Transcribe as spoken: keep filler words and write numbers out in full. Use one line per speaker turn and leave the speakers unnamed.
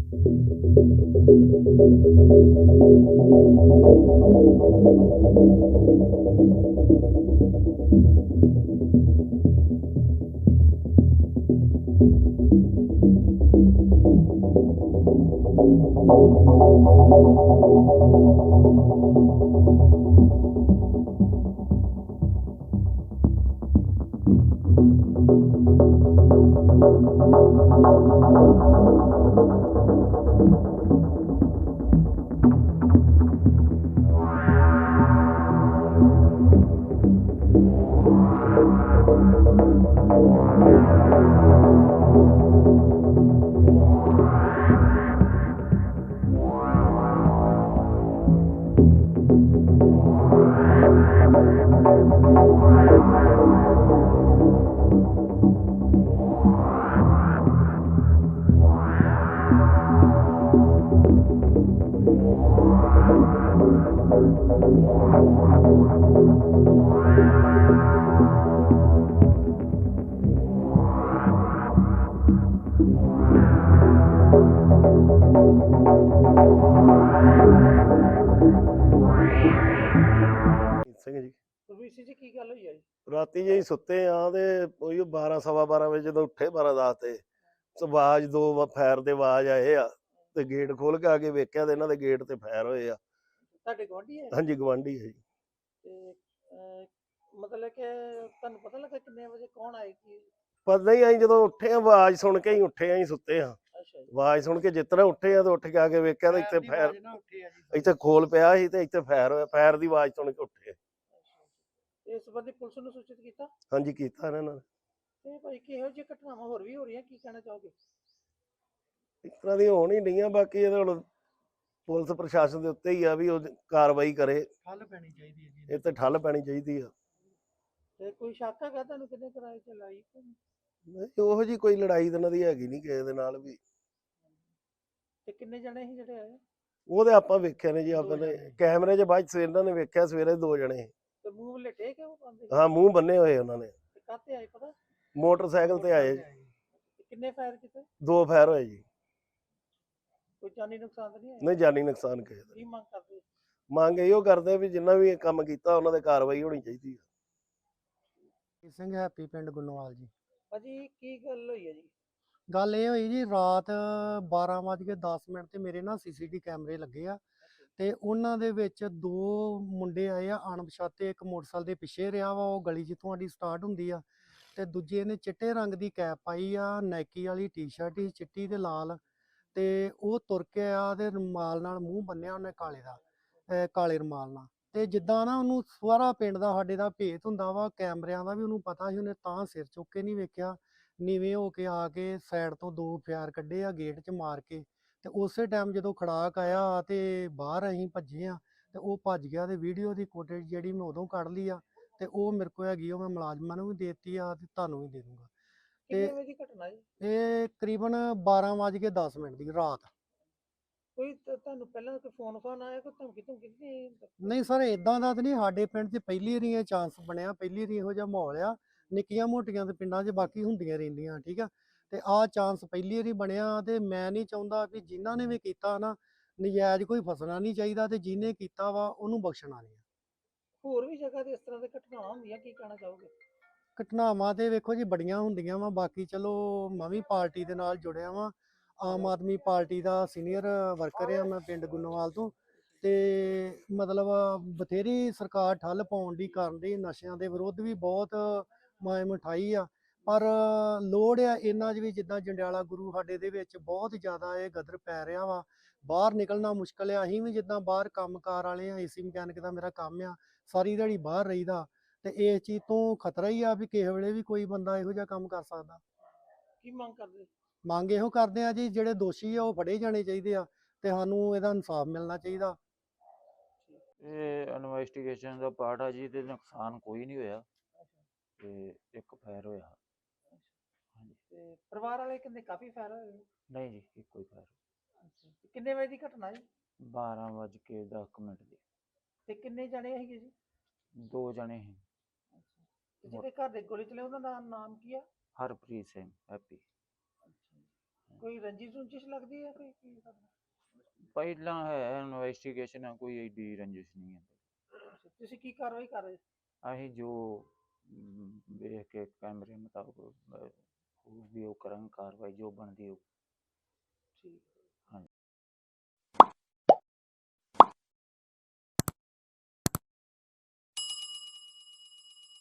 ਸਿੰਘ ਜੀ
ਰਵੀਸੀ ਜੀ ਕੀ ਗੱਲ ਹੋਈ ਹੈ ਜੀ?
ਰਾਤੀ ਜੀ ਸੁੱਤੇ ਆ ਤੇ ਉਹੀ ਬਾਰਾਂ ਸਵਾ ਬਾਰਾਂ ਵਜੇ ਜਦੋਂ ਉੱਠੇ ਬਾਰਾਂ ਦਸ ਤੇ ਆਵਾਜ਼ ਦੋ ਵਾ- ਫਾਇਰ ਦੇ ਆਵਾਜ਼ ਆਏ ਆ ਤੇ ਗੇਟ ਖੋਲ ਕੇ ਆ ਕੇ ਵੇਖਿਆ ਤੇ ਇਹਨਾਂ ਦੇ ਗੇਟ ਤੇ ਫਾਇਰ ਹੋਏ ਆ।
ਤੁਹਾਡੇ ਗੁਆਂਢੀ ਹੈ?
ਹਾਂਜੀ ਗਵਾਂਢੀ ਹੈ ਜੀ।
ਤੇ ਅਹ, ਮਤਲਬ ਕਿ ਤੁਹਾਨੂੰ ਪਤਾ ਲੱਗਾ ਕਿੰਨੇ ਵਜੇ ਕੌਣ ਆਏ ਕੀ?
ਪਰ ਨਹੀਂ ਅਸੀਂ ਜਦੋਂ ਉੱਠੇ ਆ ਆਵਾਜ਼ ਸੁਣ ਕੇ ਹੀ ਉੱਠੇ ਆ, ਅਸੀਂ ਸੁੱਤੇ ਆ।
ਅੱਛਾ ਜੀ।
ਆਵਾਜ਼ ਸੁਣ ਕੇ ਜਿਸ ਤਰ੍ਹਾਂ ਉੱਠੇ ਆ ਤੇ ਉੱਠ ਕੇ ਆ ਕੇ ਵੇਖਿਆ ਤੇ ਇੱਥੇ ਫਾਇਰ ਇੱਥੇ ਖੋਲ ਪਿਆ ਸੀ ਤੇ ਇੱਥੇ ਫਾਇਰ ਹੋਇਆ। ਫਾਇਰ ਦੀ ਆਵਾਜ਼ ਸੁਣ ਕੇ ਉੱਠੇ।
ਇਸ ਸੰਬੰਧੀ ਪੁਲਿਸ ਨੂੰ ਸੂਚਿਤ ਕੀਤਾ?
ਹਾਂਜੀ ਕੀਤਾ ਇਹਨਾਂ ਨੇ।
ਤੇ ਭਾਈ ਕਿਹੋ ਜਿਹੀ ਘਟਨਾਵਾਂ ਹੋਰ ਵੀ ਹੋ ਰਹੀਆਂ, ਕੀ ਕਹਿਣਾ ਚਾਹੋਗੇ?
ਇਸ ਤਰ੍ਹਾਂ ਦੀ ਹੋਣ ਹੀ ਨਹੀਂ ਆ, ਬਾਕੀ ਇਹਦੇ ਹੁਣ ਪੁਲਿਸ ਪ੍ਰਸ਼ਾਸਨ ਦੇ ਉੱਤੇ ਹੀ ਆ ਵੀ ਉਹ ਕਾਰਵਾਈ ਕਰੇ।
ਠੱਲ ਪੈਣੀ ਚਾਹੀਦੀ ਹੈ ਜੀ।
ਇਹ ਤੇ ਠੱਲ ਪੈਣੀ ਚਾਹੀਦੀ ਆ।
ਤੇ ਕੋਈ ਸ਼ੱਕ ਹੈਗਾ ਤੁਹਾਨੂੰ ਕਿੰਨੇ ਕਿਰਾਏ ਤੇ ਲਾਈ?
ਨਹੀਂ ਉਹੋ ਜੀ ਕੋਈ ਲੜਾਈ ਤਾਂ ਇਹਨਾਂ ਦੀ ਹੈਗੀ ਨਹੀਂ ਕਿਸੇ ਦੇ ਨਾਲ ਵੀ।
ਤੇ ਕਿੰਨੇ ਜਣੇ ਸੀ ਜਿਹੜੇ ਆਏ?
ਉਹਦੇ ਆਪਾਂ ਵੇਖਿਆ ਨੇ ਜੀ, ਆਪਣੇ ਕੈਮਰੇ 'ਚ ਬਾਅਦ 'ਚ ਇਹਨਾਂ ਨੇ ਵੇਖਿਆ ਸਵੇਰੇ ਦੋ ਜਣੇ।
ਤੇ ਮੂੰਹ ਲਟੇ ਕਿਉਂ ਪਾਉਂਦੇ?
ਹਾਂ ਮੂੰਹ ਬੰਨੇ ਹੋਏ ਉਹਨਾਂ ਨੇ।
ਤੇ ਕਾਹਤੇ ਆਏ ਪਤਾ?
ਮੋਟਰਸਾਈਕਲ ਤੇ ਆਏ।
ਤੇ ਕਿੰਨੇ ਫਾਇਰ ਕੀਤੇ?
ਦੋ ਫਾਇਰ ਹੋਏ ਜੀ।
ਕੋਈ ਜਾਨੀ ਨੁਕਸਾਨ ਤਾਂ ਨਹੀਂ ਆਇਆ?
ਨਹੀਂ ਜਾਨੀ ਨੁਕਸਾਨ ਕਿਸੇ ਦਾ।
ਕੀ ਮੰਗ ਕਰਦੇ?
ਮੰਗ ਇਹੋ ਕਰਦੇ ਵੀ ਜਿੰਨਾ ਵੀ ਇਹ ਕੰਮ ਕੀਤਾ ਉਹਨਾਂ ਤੇ ਕਾਰਵਾਈ ਹੋਣੀ ਚਾਹੀਦੀ ਆ।
ਸਿੰਘ ਹੈਪੀ ਪਿੰਡ ਗੁੰਨਵਾਲ ਜੀ।
ਭਾਜੀ ਕੀ ਗੱਲ ਹੋਈ ਹੈ ਜੀ?
ਗੱਲ ਇਹ ਹੋਈ ਜੀ, ਰਾਤ ਬਾਰਾਂ ਵੱਜ ਕੇ ਦਸ ਮਿੰਟ ਤੇ ਮੇਰੇ ਨਾ ਸੀਸੀਟੀ ਕੈਮਰੇ ਲੱਗੇ ਆ ਤੇ ਉਹਨਾਂ ਦੇ ਵਿੱਚ ਦੋ ਮੁੰਡੇ ਆਏ ਆ ਅਣਪਛਾਤੇ। ਇੱਕ ਮੋਟਰਸਾਈਕਲ ਦੇ ਪਿੱਛੇ ਰਿਹਾ ਵਾ, ਉਹ ਗਲੀ ਜਿੱਥੋਂ ਸਾਡੀ ਸਟਾਰਟ ਹੁੰਦੀ ਆ, ਤੇ ਦੂਜੇ ਨੇ ਚਿੱਟੇ ਰੰਗ ਦੀ ਕੈਪ ਪਾਈ ਆ, ਨਾਈਕੀ ਵਾਲੀ ਟੀ-ਸ਼ਰਟ ਹੀ ਚਿੱਟੀ ਤੇ ਲਾਲ, ਤੇ ਉਹ ਤੁਰ ਕੇ ਆ ਤੇ ਰੁਮਾਲ ਨਾਲ ਮੂੰਹ ਬੰਨਿਆ ਉਹਨੇ ਕਾਲੇ ਦਾ, ਅਹ ਕਾਲੇ ਰੁਮਾਲ ਨਾਲ। ਤੇ ਜਿੱਦਾਂ ਨਾ ਉਹਨੂੰ ਸਾਰਾ ਪਿੰਡ ਦਾ ਸਾਡੇ ਦਾ ਭੇਤ ਹੁੰਦਾ ਵਾ, ਕੈਮਰਿਆਂ ਦਾ ਵੀ ਉਹਨੂੰ ਪਤਾ ਸੀ, ਉਹਨੇ ਤਾਂ ਸਿਰ ਚੁੱਕ ਕੇ ਨਹੀਂ ਵੇਖਿਆ, ਨੀਵੇਂ ਹੋ ਕੇ ਆ ਕੇ ਸਾਈਡ ਤੋਂ ਦੋ ਫਾਇਰ ਕੱਢੇ ਆ ਗੇਟ 'ਚ ਮਾਰ ਕੇ। ਤੇ ਉਸੇ ਟਾਈਮ ਜਦੋਂ ਖੜਾਕ ਆਇਆ ਤੇ ਬਾਹਰ ਅਸੀਂ ਭੱਜੇ ਆ ਤੇ ਉਹ ਭੱਜ ਗਿਆ, ਤੇ ਵੀਡੀਓ ਦੀ ਫੁਟੇਜ ਜਿਹੜੀ ਮੈਂ ਉਦੋਂ ਕੱਢ ਲਈ ਆ ਤੇ ਉਹ ਮੇਰੇ ਕੋਲ ਹੈਗੀ, ਉਹ ਮੈਂ ਮੁਲਾਜ਼ਮਾਂ ਨੂੰ ਵੀ ਦੇ ਦਿੱਤੀ ਆ ਤੇ ਤੁਹਾਨੂੰ ਵੀ ਦੇ ਦੂੰਗਾ।
ਕਿੰਨੇ ਵਜੇ ਦੀ ਘਟਨਾ ਜੀ?
ਇਹ ਤਕਰੀਬਨ ਬਾਰਾਂ ਵੱਜ ਕੇ ਦਸ ਮਿੰਟ ਦੀ ਰਾਤ।
ਕੋਈ ਤ- ਤੁਹਾਨੂੰ ਪਹਿਲਾਂ ਕੋਈ ਫੋਨ ਫਾਨ ਆਇਆ, ਕੋਈ ਧਮਕੀ ਧਮਕੀ ਨਹੀਂ?
ਨਹੀਂ ਸਰ, ਇਦਾਂ ਦਾ ਤਾਂ ਨਹੀਂ ਸਾਡੇ ਪਿੰਡ 'ਚ ਪਹਿਲੀ ਵਾਰੀ ਇਹ ਚਾਂਸ ਬਣਿਆ, ਪਹਿਲੀ ਵਾਰੀ ਇਹੋ ਜਿਹਾ ਮਾਹੌਲ ਆ। ਨਿੱਕੀਆਂ ਮੋਟੀਆਂ ਤੇ ਪਿੰਡਾਂ 'ਚ ਬਾਕੀ ਹੁੰਦੀਆਂ ਰਹਿੰਦੀਆਂ, ਠੀਕ ਆ, ਤੇ ਆਹ ਚਾਂਸ ਪਹਿਲੀ ਵਾਰੀ ਬਣਿਆ। ਤੇ ਮੈਂ ਨਹੀਂ ਚਾਹੁੰਦਾ ਵੀ ਜਿਨ੍ਹਾਂ ਨੇ ਵੀ ਕੀਤਾ ਨਾ, ਨਜਾਇਜ਼ ਕੋਈ ਫਸਣਾ ਨਹੀਂ ਚਾਹੀਦਾ, ਤੇ ਜਿਹਨੇ ਕੀਤਾ ਵਾ ਉਹਨੂੰ ਬਖਸ਼ਣਾ ਨਹੀਂ।
ਹੋਰ ਵੀ ਜਗ੍ਹਾ ਤੇ ਇਸ ਤਰ੍ਹਾਂ ਦੀ ਘਟਨਾਵਾਂ ਹੁੰਦੀਆਂ, ਕੀ ਕਹਿਣਾ ਚਾਹੋਗੇ?
ਘਟਨਾਵਾਂ ਤੇ ਵੇਖੋ ਜੀ ਬੜੀਆਂ ਹੁੰਦੀਆਂ ਵਾ, ਬਾਕੀ ਚਲੋ ਮੈਂ ਵੀ ਪਾਰਟੀ ਦੇ ਨਾਲ ਜੁੜਿਆ ਵਾਂ, ਆਮ ਆਦਮੀ ਪਾਰਟੀ ਦਾ ਸੀਨੀਅਰ ਵਰਕਰ ਆ ਮੈਂ ਪਿੰਡ ਗੁੰਨਵਾਲ ਤੋਂ। ਤੇ ਮਤਲਬ ਬਥੇਰੀ ਸਰਕਾਰ ਠੱਲ ਪਾਉਣ ਦੀ ਕਰਨ ਦੀ, ਨਸ਼ਿਆਂ ਦੇ ਵਿਰੁੱਧ ਵੀ ਬਹੁਤ ਮਾਇਮ ਉਠਾਈ ਆ, ਪਰ ਲੋੜ ਆ ਇਹਨਾਂ 'ਚ ਵੀ। ਜਿੱਦਾਂ ਜੰਡਿਆਲਾ ਗੁਰੂ ਸਾਡੇ ਦੇ ਵਿੱਚ ਬਹੁਤ ਜ਼ਿਆਦਾ ਇਹ ਗਦਰ ਪੈ ਰਿਹਾ ਵਾ, ਬਾਹਰ ਨਿਕਲਣਾ ਮੁਸ਼ਕਲ ਆ। ਅਸੀਂ ਵੀ ਜਿੱਦਾਂ ਬਾਹਰ ਕੰਮਕਾਰ ਵਾਲੇ ਆ, ਏਸੀ ਮਕੈਨਿਕ ਦਾ ਮੇਰਾ ਕੰਮ ਆ, ਸਾਰੀ ਦਿਹਾੜੀ ਬਾਹਰ ਰਹੀਦਾ, ਤੇ ਇਸ ਚੀਜ਼ ਤੋਂ ਖਤਰਾ ਹੀ ਆ ਵੀ ਕਿਸੇ ਵੇਲੇ ਵੀ ਕੋਈ ਬੰਦਾ ਇਹੋ ਜਿਹਾ ਕੰਮ ਕਰ ਸਕਦਾ।
ਕੀ ਮੰਗ ਕਰਦੇ?
ਮੰਗ ਇਹੋ ਕਰਦੇ ਆ ਜੀ, ਜਿਹੜੇ ਦੋਸ਼ੀ ਆ ਉਹ ਫੜੇ ਜਾਣੇ ਚਾਹੀਦੇ ਆ ਤੇ ਸਾਨੂੰ ਇਹਦਾ ਇਨਸਾਫ ਮਿਲਣਾ ਚਾਹੀਦਾ।
ਇਹ ਇਨਵੈਸਟੀਗੇਸ਼ਨ ਦਾ ਪਾਰਟ ਆ ਜੀ, ਤੇ ਨੁਕਸਾਨ ਕੋਈ ਨਹੀਂ ਹੋਇਆ ਤੇ ਇੱਕ ਫਾਇਰ ਹੋਇਆ। ਹਾਂਜੀ।
ਤੇ ਪਰਿਵਾਰ ਵਾਲੇ ਕਿੰਨੇ ਕਾਫੀ ਫਾਇਰ ਹੋਏ?
ਨਹੀਂ ਜੀ ਇੱਕੋ ਹੀ ਫਾਇਰ।
ਅੱਛਾ। ਤੇ ਕਿੰਨੇ ਵਜੇ ਦੀ ਘਟਨਾ ਜੀ?
ਬਾਰਾਂ ਵੱਜ ਕੇ ਦਸ ਮਿੰਟ ਦੀ।
ਤੇ ਕਿੰਨੇ ਜਣੇ ਸੀਗੇ ਜੀ?
ਦੋ ਜਣੇ ਸੀ।
ਅੱਛਾ। ਤੇ ਜਿਹਦੇ ਘਰ ਦੇ ਗੋਲੀ ਚਲੇ ਉਹਨਾਂ ਦਾ ਨਾਮ ਕੀ ਆ?
ਹਰਪ੍ਰੀਤ ਸਿੰਘ ਹੈਪੀ।
ਅੱਛਾ ਜੀ। ਕੋਈ ਰੰਜਿਸ਼ ਰੁੰਜਿਸ਼ ਲੱਗਦੀ ਹੈ ਕੋਈ ਕੀ ਕਰਦਾ?
ਪਹਿਲਾਂ ਹੈ ਇਨਵੈਸਟੀਗੇਸ਼ਨ ਆ, ਕੋਈ ਏਡੀ ਰੰਜਿਸ਼ ਨਹੀਂ ਹੈ।
ਅੱਛਾ, ਤੁਸੀਂ ਕੀ ਕਾਰਵਾਈ ਕਰ ਰਹੇ?
ਅਸੀਂ ਜੋ ਅਮ, ਵੇਖ ਕੇ ਕੈਮਰੇ ਮੁਤਾਬਕ ਅਹ, ਹੋਊਗੀ ਉਹ ਕਰਾਂਗੇ ਕਾਰਵਾਈ ਜੋ ਬਣਦੀ ਹੋਊ।
ਠੀਕ।